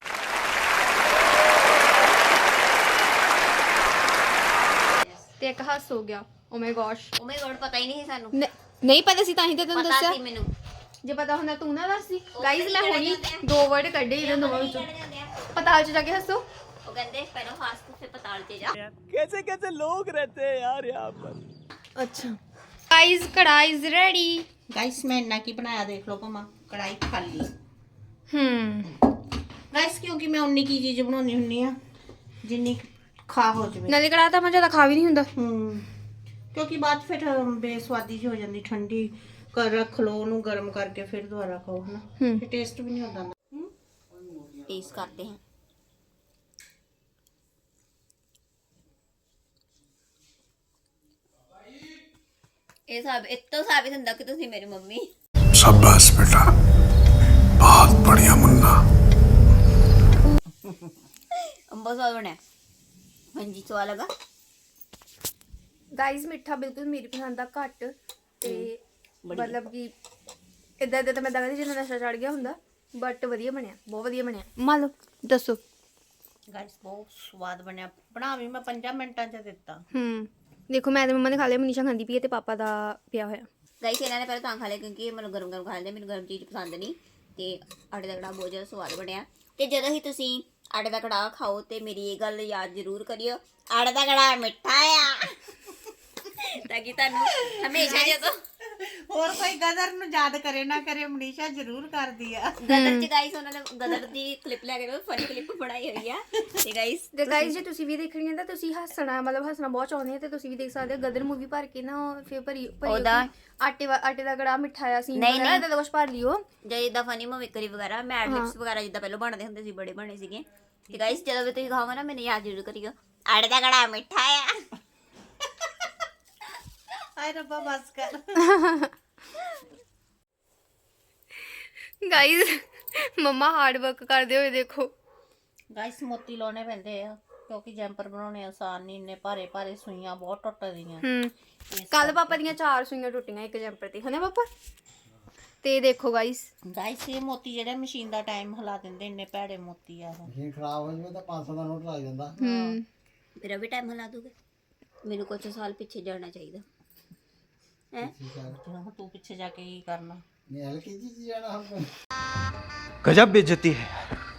Speaker 4: ਤੇ ਇੱਕ ਹੱਸ ਹੋ ਗਿਆ ਓ ਮਾਈ ਗॉश।
Speaker 1: ਉਹ ਮੇਰੇ ਕੋਲ ਪਤਾ ਹੀ ਨਹੀਂ ਸੀ ਸਾਨੂੰ
Speaker 4: ਨਹੀਂ ਪਤਾ ਸੀ ਤਾਂ ਹੀ ਤਾਂ ਤੈਨੂੰ
Speaker 1: ਪਤਾ
Speaker 4: ਦੱਸਿਆ
Speaker 1: ਸੀ ਮੈਨੂੰ
Speaker 4: ਜੇ ਪਤਾ ਹੁੰਦਾ ਤੂੰ ਨਾ ਦੱਸਦੀ।
Speaker 1: ਉਹ
Speaker 4: ਗਾਇਜ਼ ਮੈਂ
Speaker 1: ਕਿਹੜੇ
Speaker 4: ਹੁਣੀ
Speaker 1: ਜਾਂਦੇ ਆ?
Speaker 4: ਦੋ ਵਰਡ ਕੱਢੇ ਇਹਨਾਂ ਦੋਵਾਂ
Speaker 1: ਕੀ
Speaker 4: ਵਿੱਚੋਂ।
Speaker 1: ਕਹਿਣੇ ਜਾਂਦੇ ਆ?
Speaker 4: ਪਤਾਲ ਚ ਜਾ ਕੇ ਹੱਸੋ।
Speaker 1: ਉਹ ਕਹਿੰਦੇ ਪਹਿਲਾਂ ਹੱਸ ਫਿਰ ਪਤਾਲ ਤੇ ਜਾ।
Speaker 5: कैसे कैसे लोग रहते हैं यार यहाँ पर।
Speaker 4: ਅੱਛਾ ਗਾਇਜ਼ ਕੜਾ ਇਜ਼ ਰੈਡੀ।
Speaker 2: ਗਾਇਸ ਮੈਂ ਇੰਨਾ ਕੀ ਬਣਾਇਆ ਦੇਖ ਲਓ ਭਮਾ ਕੜਾਈ ਖਾਲੀ।
Speaker 4: ਹੂੰ
Speaker 2: ਗਾਇਸ ਕਿਉਂਕਿ ਮੈਂ ਉਨੀ ਕੀ ਚੀਜ਼ ਬਣਾਉਣੀ ਹੁੰਨੀ ਆ ਜਿੰਨੀ ਖਾ ਹੋ ਜਾਵੇ।
Speaker 4: ਨਾਲੇ ਕੜਾਹ ਤਾਂ ਮੈਂ ਜ਼ਿਆਦਾ ਖਾ ਵੀ ਨਹੀਂ ਹੁੰਦਾ।
Speaker 2: ਹੂੰ ਕਿਉਂਕਿ ਬਾਅਦ 'ਚ ਫਿਰ ਬੇਸਵਾਦੀ ਜਿਹੀ ਹੋ ਜਾਂਦੀ, ਠੰਡੀ ਕਰ ਰੱਖ ਲਓ ਉਹਨੂੰ ਗਰਮ ਕਰਕੇ ਫਿਰ ਦੁਬਾਰਾ ਖਾਓ ਹਨਾ,
Speaker 4: ਹੂੰ
Speaker 2: ਫਿਰ ਟੇਸਟ ਵੀ ਨਹੀਂ ਹੁੰਦਾ।
Speaker 1: टेस्ट करते हैं। ਇਹ ਸਭ ਇਤੋਂ ਸਾਬਿਤ ਹੁੰਦਾ ਕਿ ਤੁਸੀਂ ਮੇਰੀ ਮੰਮੀ।
Speaker 3: शाबाश बेटा, बहुत बढ़िया मुन्ना।
Speaker 1: ਅੰਬਾ ਸਵਾਦ ਬਣਿਆ। ਹਾਂਜੀ ਸਵਾਦ ਲੱਗਾ।
Speaker 4: ਗਾਈਜ਼ ਮਿੱਠਾ ਬਿਲਕੁਲ ਮੇਰੀ ਪਸੰਦ ਦਾ ਘੱਟ ਤੇ ਮਤਲਬ ਕਿ ਇਦਾਂ ਇਦਾਂ ਤਾਂ ਮੈਂ ਦਗਾ ਜਿੰਨਾ ਨਸ਼ਾ ਚੜ ਗਿਆ ਹੁੰਦਾ, ਬਟ ਵਧੀਆ ਬਣਿਆ, ਬਹੁਤ ਵਧੀਆ ਬਣਿਆ। ਮੰਨ ਲਓ ਦੱਸੋ।
Speaker 2: ਗਾਇਸ ਬਹੁਤ ਸਵਾਦ ਬਣਿਆ, ਬਣਾ ਵੀ ਮੈਂ ਪੰਜਾਂ ਮਿੰਟਾਂ 'ਚ ਦਿੱਤਾ।
Speaker 4: ਹੂੰ ਦੇਖੋ ਮੈਂ ਤੇ ਮੰਮਾ ਨੇ ਖਾ ਲਿਆ, ਮਨੀਸ਼ਾ ਖਾਂਦੀ ਪਈ ਹੈ ਤੇ ਪਾਪਾ ਦਾ ਪਿਆ ਹੋਇਆ।
Speaker 1: ਗਾਈਸ ਇਹਨਾਂ ਨੇ ਪਹਿਲਾਂ ਤਾਂ ਖਾ ਲਿਆ ਕਿਉਂਕਿ ਇਹ ਮੈਨੂੰ ਗਰਮ ਗਰਮ ਖਾ ਲੈਂਦੇ, ਮੈਨੂੰ ਗਰਮ ਚੀਜ਼ ਪਸੰਦ ਨਹੀਂ। ਤੇ ਆਟੇ ਦਾ ਕੜਾਹ ਬਹੁਤ ਜ਼ਿਆਦਾ ਸਵਾਦ ਬਣਿਆ। ਤੇ ਜਦੋਂ ਹੀ ਤੁਸੀਂ ਆਟੇ ਦਾ ਕੜਾਹ ਖਾਓ ਤੇ ਮੇਰੀ ਇਹ ਗੱਲ ਯਾਦ ਜ਼ਰੂਰ ਕਰਿਓ, ਆਟੇ ਦਾ ਕੜਾਹ ਮਿੱਠਾ ਆ। ਤਾਂ ਕਿ ਤੁਹਾਨੂੰ ਹਮੇਸ਼ਾ ਜਦੋਂ
Speaker 2: ਹੋਰ ਕੋਈ ਗਦਰ ਨੂੰ ਯਾਦ ਕਰੇ ਨਾ ਕਰੇ, ਮਨੀਸ਼ਾ ਜ਼ਰੂਰ ਕਰਦੀ ਆ।
Speaker 1: ਗਦਰ ਚ ਗਾਈਸ ਉਹਨਾਂ ਨੇ ਗਦਰ ਦੀ ਕਲਿੱਪ ਲੈ ਕੇ ਫਨੀ ਕਲਿੱਪ ਬਣਾਈ ਹੋਈ ਆ। ਤੇ ਗਾਈਸ
Speaker 4: ਤੇ ਗਾਈਜ਼ ਜੇ ਤੁਸੀਂ ਵੀ ਦੇਖਣੀ ਹੈ ਤਾਂ ਤੁਸੀਂ ਹੱਸਣਾ ਮਤਲਬ ਹੱਸਣਾ ਬਹੁਤ ਚਾਹੁੰਦੇ ਆ ਤੇ ਤੁਸੀਂ ਵੀ ਦੇਖ ਸਕਦੇ ਹੋ। ਗਦਰ ਮੂਵੀ ਭਰ ਕੇ ਨਾ ਉਹ ਫਿਰ ਭਰੀ ਭਰੀ
Speaker 1: ਉਹਦਾ-
Speaker 4: ਹੋਈ ਆਟੇ ਵਾ- ਆਟੇ ਦਾ ਕੜਾਹ ਮਿਠਾਇਆ ਸੀ
Speaker 1: ਨਹੀਂ, ਨਹੀਂ।
Speaker 4: ਇਹਦਾ ਤਾਂ ਕੁਛ ਭਰ ਲਿਓ।
Speaker 1: ਜੇ ਜਿੱਦਾਂ ਫਨੀ ਮੂਵੀਕਰੀ ਵਗੈਰਾ ਮੈਡ ਲਿਪਸ ਵਗੈਰਾ ਜਿੱਦਾਂ ਪਹਿਲਾਂ ਬਣਦੇ ਹੁੰਦੇ ਸੀ, ਬੜੇ ਬਣੇ ਸੀਗੇ। ਤੇ ਗਾਈਸ ਜਦੋਂ ਵੀ ਤੁਸੀਂ ਖਾਓਗੇ ਨਾ ਮੈਨੂੰ ਯਾਦ ਜ਼ਰੂਰ ਕਰਿਓ, ਆਟੇ ਦਾ ਕੜਾਹ ਮਿੱਠਾ ਆ।
Speaker 2: ਹਾਏ ਰੱਬਾ ਬਸ ਕਰ।
Speaker 4: ਗਾਈਜ਼ ਮੰਮਾ ਹਾਰਡ ਵਰਕ ਕਰਦੇ ਹੋਏ ਦੇਖੋ।
Speaker 2: ਗਾਇਸ ਮੋਤੀ ਲਾਉਣੇ ਪੈਂਦੇ ਆ ਕਿਉਂਕਿ ਜੈਂਪਰ ਬਣਾਉਣੇ ਆਸਾਨ ਨਹੀਂ, ਇੰਨੇ ਭਾਰੇ ਭਾਰੇ ਸੂਈਆਂ ਬਹੁਤ ਟੁੱਟਦੀਆਂ।
Speaker 4: ਹੂੰ ਕੱਲ ਪਾਪਾ ਦੀਆਂ ਚਾਰ ਸੂਈਆਂ ਟੁੱਟੀਆਂ ਇੱਕ ਜੰਪਰ ਤੇ, ਹਨਾ ਪਾਪਾ। ਤੇ ਦੇਖੋ ਗਾਈਸ
Speaker 2: ਗਾਇਸ ਇਹ ਮੋਤੀ ਜਿਹੜੇ ਮਸ਼ੀਨ ਦਾ ਟਾਈਮ ਹਿਲਾ ਦਿੰਦੇ, ਇੰਨੇ ਭੈੜੇ ਮੋਤੀ ਆ ਉਹ।
Speaker 6: ਮਸ਼ੀਨ ਖਰਾਬ ਹੋ ਜਾਵੇ ਤਾਂ ਪੰਜ ਸੌ ਦਾ ਨੋਟ ਲੱਗ ਜਾਂਦਾ।
Speaker 4: ਹੂੰ
Speaker 1: ਮੇਰਾ ਵੀ ਟਾਈਮ ਹਿਲਾ ਦੋਗੇ? ਮੈਨੂੰ ਕੁਝ ਸਾਲ ਪਿੱਛੇ ਜਾਣਾ ਚਾਹੀਦਾ ਹੈ।
Speaker 2: ਹੁਣ ਤੂੰ ਪਿੱਛੇ ਜਾ ਕੇ ਕੀ ਕਰਨਾ?
Speaker 6: ਨਹੀਂ ਐਲਕੇਜੀ ਚ ਜਾਣਾ ਹਮ
Speaker 3: गजब बेइज्जती है।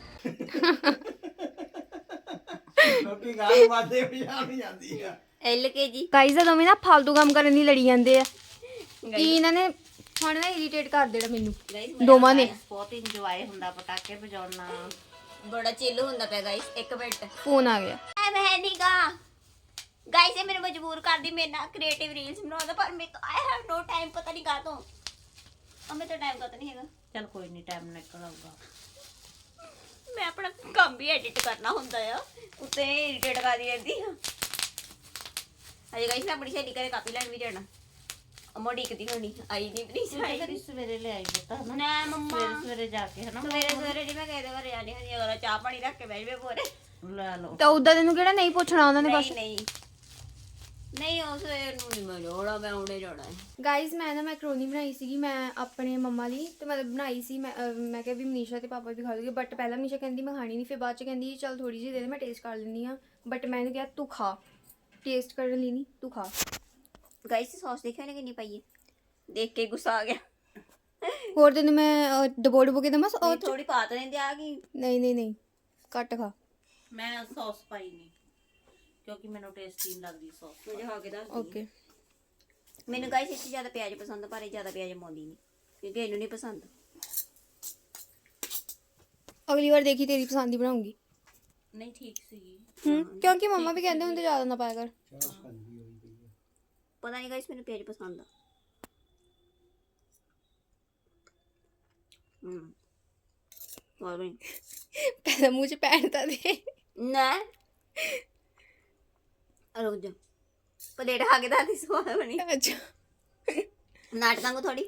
Speaker 6: ਕਿਉਂਕਿ ਗਾਲ ਮਾਰਦੇ ਪਛਾਣ ਨਹੀਂ ਜਾਂਦੀ ਆ।
Speaker 1: ਐਲ ਕੇ ਜੀ
Speaker 4: ਗਾਈਜ਼ ਆ ਦੋਵੇਂ ਨਾ ਫालतू ਕੰਮ ਕਰਨ ਦੀ ਲੜੀ ਜਾਂਦੇ ਆ ਕਿ ਇਹਨਾਂ ਨੇ ਹੁਣ ਨਾ ਇਰੀਟੇਟ ਕਰ ਦੇਣਾ ਮੈਨੂੰ ਦੋਵਾਂ ਨੇ।
Speaker 2: ਬਹੁਤ ਇੰਜੋਏ ਹੁੰਦਾ ਪਟਾਕੇ ਵਜਾਉਣਾ।
Speaker 1: ਬੜਾ ਚਿੱਲ ਹੁੰਦਾ ਪਿਆ ਗਾਈਸ। ਇੱਕ ਮਿੰਟ
Speaker 4: ਫੋਨ ਆ ਗਿਆ।
Speaker 1: ਐ ਮੈਂ ਨਹੀਂਗਾ ਗਾਈਸ, ਇਹ ਮੈਨੂੰ ਮਜਬੂਰ ਕਰਦੀ ਮੇਰੇ ਨਾਲ ਕ੍ਰੀਏਟਿਵ ਰੀਲਸ ਬਣਾਉਂਦਾ, ਪਰ ਮੇਰੇ ਤੋਂ ਆਈ ਹੈਵ ਨੋ ਟਾਈਮ। ਪਤਾ ਨਹੀਂ ਕਾਹਤੋਂ ਅਮੇ ਤਾਂ ਟਾਈਮ ਕਾਹਤੋਂ ਨਹੀਂ ਹੈਗਾ।
Speaker 2: ਚਲ ਕੋਈ ਨਹੀਂ, ਟਾਈਮ ਨਿਕਲ ਆਊਗਾ।
Speaker 1: ਮੈਂ ਆਪਣਾ ਕੰਮ ਵੀ ਐਡਿਟ ਕਰਨਾ ਹੁੰਦਾ ਆ, ਉੱਤੇ ਇਰੀਟੇਟ ਕਰਦੀ ਰਹਿੰਦੀ ਆ। ਅਜੇ ਗਾਈਸ ਮੈਂ ਆਪਣੀ ਸਹੇਲੀ ਘਰੇ ਕਾਪੀ ਲੈਣ ਵੀ ਜਾਣਾ। ਅਮੋ ਡੀਕਦੀ ਹੋਣੀ ਆਈ ਨਹੀਂ ਪਲੀਜ਼ ਆਈ
Speaker 2: ਫਿਰ ਸਵੇਰੇ ਲੈ ਆਈ ਬਤਾ ਹਨਾ,
Speaker 1: ਨਾ ਮੰਮਾ
Speaker 2: ਸਵੇਰੇ ਸਵੇਰੇ ਜਾ ਕੇ ਹਨਾ
Speaker 1: ਸਵੇਰੇ ਸਵੇਰੇ ਨਹੀਂ ਮੈਂ ਕਿਸੇ ਦੇ ਘਰੇ ਆਣੀ ਹੁੰਦੀ, ਅਗਰ ਚਾਹ ਪਾਣੀ ਰੱਖ ਕੇ ਬਹਿ ਜਵੇ ਪੂਰੇ।
Speaker 2: ਲੈ ਲਓ।
Speaker 4: ਤਾਂ ਉਦਾਂ ਤੈਨੂੰ ਕਿਹੜਾ ਨਹੀਂ ਪੁੱਛਣਾ ਉਹਨਾਂ ਨੇ ਬਸ।
Speaker 1: ਨਹੀਂ ਨਹੀਂ ਨਹੀਂ ਉਸ ਸਵੇਰ ਨੂੰ ਨਹੀਂ ਮੈਂ ਜਾਣਾ, ਮੈਂ ਹੁਣੇ ਜਾਣਾ ਹੈ।
Speaker 4: ਗਾਈਜ਼ ਮੈਂ ਨਾ ਮੈਕਰੋਨੀ ਬਣਾਈ ਸੀਗੀ ਮੈਂ ਆਪਣੇ ਮੰਮਾ ਲਈ, ਤੇ ਮਤਲਬ ਬਣਾਈ ਸੀ ਮੈਂ ਅਹ ਮੈਂ ਕਿਹਾ ਵੀ ਮਨੀਸ਼ਾ ਤੇ ਪਾਪਾ ਵੀ ਖਾ ਲੂਗੇ, ਬਟ ਪਹਿਲਾਂ ਮਨੀਸ਼ਾ ਕਹਿੰਦੀ ਮੈਂ ਖਾਣੀ ਨਹੀਂ, ਫਿਰ ਬਾਅਦ ਚ ਕਹਿੰਦੀ ਚੱਲ ਥੋੜੀ ਜਿਹੀ ਦੇ ਦੇ ਮੈਂ ਟੇਸਟ ਕਰ ਲੈਂਦੀ ਆ, ਬਟ ਮੈਂ ਇਹਨੂੰ ਕਿਹਾ ਤੂੰ ਖਾ, ਟੇਸਟ ਕਰਨ ਲਈ ਨਹੀਂ ਤੂੰ ਖਾ।
Speaker 1: ਗਾਈਸ ਸੌਸ ਦੇਖਿਆ ਨੇ ਕਿੰਨੀ ਪਾਈ ਹੈ, ਦੇਖ ਕੇ ਗੁੱਸਾ ਆ ਗਿਆ।
Speaker 4: ਹੋਰ ਤੈਨੂੰ ਮੈਂ ਡਬੋ ਡਬੋ ਕੇ ਦਮਾ ਉਹ ਚ?
Speaker 1: ਥੋੜੀ ਪਾ ਤਾਂ ਲੈਂਦੇ ਆ ਗਈ।
Speaker 4: ਨਹੀਂ ਨਹੀਂ ਨਹੀਂ ਘੱਟ ਖਾ।
Speaker 2: ਮੈਂ ਸੌਸ ਪਾਈ ਨਹੀਂ ਕਿਉਂਕਿ ਮੈਨੂੰ ਟੇਸਟੀ ਨਹੀਂ ਲੱਗਦੀ ਸੌਸ।
Speaker 1: ਮੁਝੇ ਖਾ ਕੇ ਦੱਸ
Speaker 4: ਓਕੇ
Speaker 1: ਮੈਨੂੰ ਗਾਈਸ ਇਸ ਜ਼ਿਆਦਾ ਪਿਆਜ਼ ਪਸੰਦ, ਪਰ ਇਹ ਜ਼ਿਆਦਾ ਪਿਆਜ਼ ਪਾਉਂਦੀ ਨਹੀਂ ਕਿਉਂਕਿ ਇਹਨੂੰ ਨਹੀਂ ਪਸੰਦ।
Speaker 4: ਅਗਲੀ ਵਾਰ ਦੇਖੀ ਤੇਰੀ ਪਸੰਦ ਦੀ ਬਣਾਉਂਗੀ।
Speaker 2: ਨਹੀਂ ਠੀਕ ਸੀਗੀ।
Speaker 4: ਹੂੰ ਕਿਉਂਕਿ ਮੰਮਾ ਵੀ ਕਹਿੰਦੇ ਹੁੰਦੇ ਜ਼ਿਆਦਾ ਨਾ ਪਾਇਆ ਕਰ।
Speaker 1: ਪਤਾ ਨਹੀਂ ਗਾਈਸ ਮੈਨੂੰ ਪਿਆਜ਼ ਪਸੰਦ ਆ। ਹੂੰ ਹੋਰ ਵੀ
Speaker 4: ਪਹਿਲਾਂ ਮੂੰਹ ਚ ਪੈਣ ਤਾਂ ਦੇ।
Speaker 1: ਨਾ ਰੁਕ ਜਾ, ਪਲੇਟ ਖਾ ਕੇ ਤਾਂ ਦੀ ਸਵਾਦ ਬਣੀ।
Speaker 4: ਅੱਛਾ
Speaker 1: ਨਾਟਕਾਂ ਕੋ ਥੋੜੀ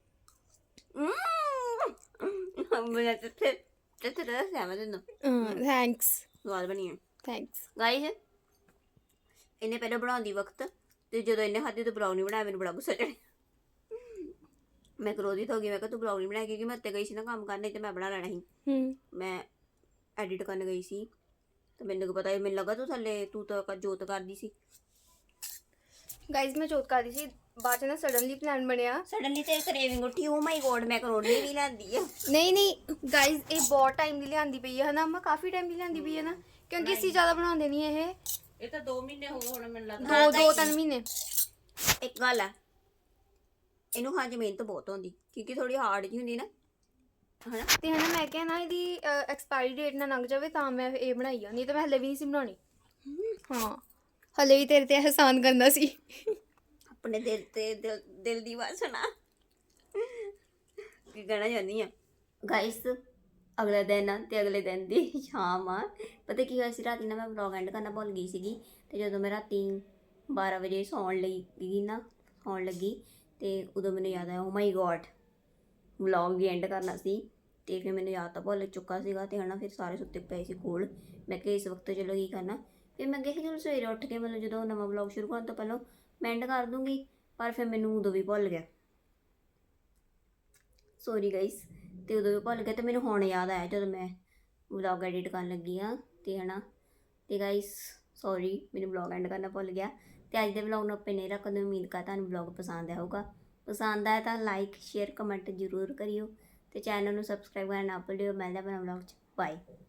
Speaker 1: ਮੈਂ ਤੇ ਤੇ ਤੇ ਦੱਸਿਆ ਮੈਂ ਤੈਨੂੰ
Speaker 4: ਹਾਂ ਥੈਂਕਸ
Speaker 1: ਸਵਾਦ ਬਣੀ ਹੈ
Speaker 4: ਥੈਂਕਸ।
Speaker 1: ਗਾਈਸ ਇਹਨੇ ਪਹਿਲਾਂ ਬਣਾਉਂਦੀ ਵਕਤ ਤੇ ਜਦੋਂ ਇਹਨੇ ਖਾਧੀ ਤਾਂ ਬਰਾਉਨੀ ਬਣਾਇਆ, ਮੈਨੂੰ ਬੜਾ ਗੁੱਸਾ ਚੜਿਆ। ਮੈਂ ਕਰੋਧਿਤ ਹੋ ਗਈ, ਮੈਂ ਕਿਹਾ ਤੂੰ ਬਰਾਉਨੀ ਬਣਾਇਆ ਕਿਉਂਕਿ ਮੈਂ ਉੱਤੇ ਗਈ ਸੀ ਨਾ ਕੰਮ ਕਰਨੇ ਤੇ ਮੈਂ ਬਣਾ ਲੈਣਾ ਸੀ।
Speaker 4: ਹੂੰ
Speaker 1: ਮੈਂ ਐਡਿਟ ਕਰਨ ਗਈ ਸੀ ਤੇ ਮੈਨੂੰ ਕੀ ਪਤਾ, ਮੈਨੂੰ ਲੱਗਾ ਤੂੰ ਥੱਲੇ ਤੂੰ ਤਾਂ ਜੋਤ ਕਰਦੀ ਸੀ।
Speaker 4: ਗਾਈਜ਼ ਮੈਂ ਚੋਟ ਕਰਦੀ ਸੀ, ਬਾਅਦ ਚ ਨਾ ਸਡਨਲੀ ਪਲਾਨ ਬਣਿਆ।
Speaker 1: ਸਡਨਲੀ ਤੇ ਕਰੇਵਿੰਗ ਉੱਠੀ, ਓ ਮਾਈ ਗੋਡ ਮੈਂ ਕਰੋੜਨੀ ਵੀ ਲੈਂਦੀ ਆ।
Speaker 4: ਨਹੀਂ ਨਹੀਂ ਗਾਈਜ਼ ਇਹ ਬਹੁਤ ਟਾਈਮ ਦੀ ਲਿਆਂਦੀ ਪਈ ਹੈ ਹਨਾ, ਮੈਂ ਕਾਫੀ ਟਾਈਮ ਦੀ ਲਿਆਂਦੀ ਪਈ ਹੈ ਨਾ, ਕਿਉਂਕਿ ਅਸੀਂ ਜ਼ਿਆਦਾ ਬਣਾਉਂਦੇ ਨਹੀਂ ਇਹ
Speaker 2: ਇਹ ਤਾਂ ਦੋ ਮਹੀਨੇ ਹੋ ਗਏ ਹੁਣ ਮੈਨੂੰ ਲੱਗਦਾ।
Speaker 4: ਦੋ ਦੋ ਤਿੰਨ ਮਹੀਨੇ।
Speaker 1: ਇੱਕ ਗੱਲ ਆ, ਇਹਨੂੰ ਖਾਣ 'ਚ ਮਿਹਨਤ ਬਹੁਤ ਹੁੰਦੀ ਕਿਉਂਕਿ ਥੋੜੀ ਹਾਰਡ ਜਿਹੀ ਹੁੰਦੀ ਨਾ, ਹਨਾ।
Speaker 4: ਤੇ ਹਨਾ ਮੈਂ ਕਿਹਾ ਨਾ ਇਹਦੀ ਐਕਸਪਾਇਰੀ ਡੇਟ ਨਾ ਲੰਘ ਜਾਵੇ ਤਾਂ ਮੈਂ ਇਹ ਬਣਾਈ ਆ, ਨਹੀਂ ਤਾਂ ਮੈਂ ਹਲੇ ਵੀ ਨਹੀਂ ਸੀ ਬਣਾਉਣੀ। ਹਾਂ ਹਲੇ ਵੀ ਤੇਰੇ ਤੇ ਅਹਿਸਾਨ ਕਰਨਾ ਸੀ।
Speaker 1: ਆਪਣੇ ਦਿਲ ਤੇ ਦਿਲ ਦਿਲ ਦੀ ਵਾਸਨਾ ਕੀ ਕਹਿਣਾ ਚਾਹੁੰਦੀ ਆ ਗਾਇਸ। ਅਗਲੇ ਦਿਨ ਆ ਤੇ ਅਗਲੇ ਦਿਨ ਦੀ ਸ਼ਾਮ ਆ। ਪਤਾ ਕੀ ਹੋਇਆ ਸੀ, ਰਾਤੀ ਨਾ ਮੈਂ ਵਲੌਗ ਐਂਡ ਕਰਨਾ ਭੁੱਲ ਗਈ ਸੀਗੀ। ਤੇ ਜਦੋਂ ਮੈਂ ਰਾਤੀ ਬਾਰਾਂ ਵਜੇ ਸੌਣ ਲਈ ਗਈ ਨਾ ਸੌਣ ਲੱਗੀ ਤੇ ਉਦੋਂ ਮੈਨੂੰ ਯਾਦ ਆਇਆ ਓ ਮਾਈ ਗੋਡ ਵਲੌਗ ਵੀ ਐਂਡ ਕਰਨਾ ਸੀ। ਤੇ ਫਿਰ ਮੈਨੂੰ ਯਾਦ ਤਾਂ ਭੁੱਲ ਚੁੱਕਾ ਸੀਗਾ ਤੇ ਹਨਾ ਫਿਰ ਸਾਰੇ ਸੁੱਤੇ ਪਏ ਸੀ ਕੋਲ। ਮੈਂ ਕਿਹਾ ਇਸ ਵਕਤ ਚਲੋ ਕੀ ਕਰਨਾ, ਫਿਰ ਮੈਂ ਕਿਹਾ ਕਿ ਚਲੋ ਸਵੇਰੇ ਉੱਠ ਕੇ ਮਤਲਬ ਜਦੋਂ ਨਵਾਂ ਵਲੌਗ ਸ਼ੁਰੂ ਕਰਨ ਤੋਂ ਪਹਿਲਾਂ ਮੈਂ ਐਂਡ ਕਰ ਦੂੰਗੀ, ਪਰ ਫਿਰ ਮੈਨੂੰ ਉਦੋਂ ਵੀ ਭੁੱਲ ਗਿਆ। Sorry guys. ਤੇ ਉਦੋਂ ਵੀ ਭੁੱਲ ਗਿਆ ਤੇ ਮੈਨੂੰ ਹੁਣ ਯਾਦ ਆਇਆ ਜਦੋਂ ਮੈਂ ਵਲੌਗ ਐਡਿਟ ਕਰਨ ਲੱਗੀ ਆ ਤੇ ਹਨਾ। ਤੇ ਗਾਈਸ ਸੌਰੀ ਮੈਨੂੰ ਵਲੌਗ ਐਂਡ ਕਰਨਾ ਭੁੱਲ ਗਿਆ। ਤੇ ਅੱਜ ਦੇ ਵਲੌਗ ਨੂੰ ਆਪਾਂ ਨਹੀਂ ਰੱਖਦੇ। ਉਮੀਦ ਕਰ ਤੁਹਾਨੂੰ ਵਲੌਗ ਪਸੰਦ ਆਇਆ ਹੋਊਗਾ। ਪਸੰਦ ਆਇਆ ਤਾਂ ਲਾਈਕ ਸ਼ੇਅਰ ਕਮੈਂਟ ਜ਼ਰੂਰ ਕਰਿਓ ਤੇ ਚੈਨਲ ਨੂੰ ਸਬਸਕ੍ਰਾਈਬ ਕਰਨਾ ਨਾ ਭੁੱਲਿਓ। ਮਿਲਦੇ ਹਾਂ ਆਪਣਾ ਵਲੌਗ 'ਚ। ਬਾਏ।